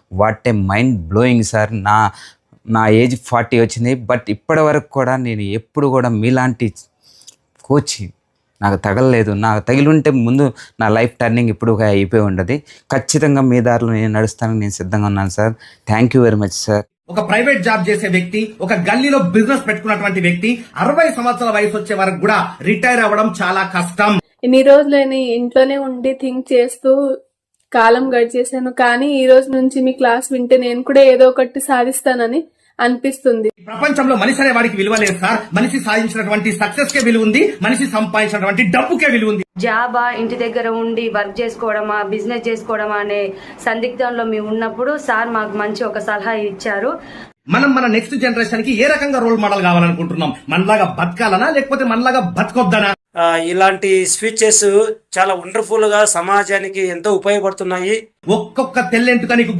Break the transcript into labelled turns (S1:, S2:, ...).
S1: What a mind blowing sir. నా age 40 వచ్చింది, but ఇప్పటి వరకు కూడా నేను ఎప్పుడు కూడా మీలాంటి కోచ్ నాకు తగలలేదు. నాకు తగిలింటే ముందు నా లైఫ్ టర్నింగ్ ఇప్పుడు అయిపోయి ఉండదు. ఖచ్చితంగా మీ దారిలో నేను నడుస్తానని నేను సిద్ధంగా ఉన్నాను sir. Thank you very much sir.
S2: ఒక ప్రైవేట్ జాబ్ చేసే వ్యక్తి, ఒక గల్లీలో బిజినెస్ పెట్టుకున్నటువంటి వ్యక్తి 60 సంవత్సరాల వయసు వచ్చే వరకు కూడా రిటైర్ అవ్వడం చాలా కష్టం.
S3: ఇన్ని రోజులైనా ఇంట్లోనే ఉండి థింక్ చేస్తూ కాలం గడిచేశాను. కానీ ఈ రోజు నుంచి మీ క్లాస్ వింటే నేను కూడా ఏదో ఒకటి సాధిస్తానని అనిపిస్తుంది.
S2: ప్రపంచంలో మనిషి అనే వాడికి విలువ లేదు సార్. మనిషి సాధించినటువంటి సక్సెస్ కే విలువ ఉంది, మనిషి సంపాదించినటువంటి డబ్బుకే విలువ ఉంది.
S4: జాబా, ఇంటి దగ్గర ఉండి వర్క్ చేసుకోవడమా, బిజినెస్ చేసుకోవడమా అనే సందిగ్ధంలో మేము ఉన్నప్పుడు సార్ మాకు మంచి ఒక సలహా ఇచ్చారు.
S2: మనం మన నెక్స్ట్ జనరేషన్ కి ఏ రకంగా రోల్ మోడల్ కావాలనుకుంటున్నాం? మనలాగా బతకాలనా లేకపోతే మనలాగా బతకొద్దనా?
S5: ఇలాంటి స్పీచెస్ చాలా వండర్ఫుల్ గా సమాజానికి ఎంతో ఉపయోగపడుతున్నాయి.
S2: ఒక్కొక్క తెల్లెంటుక నీకు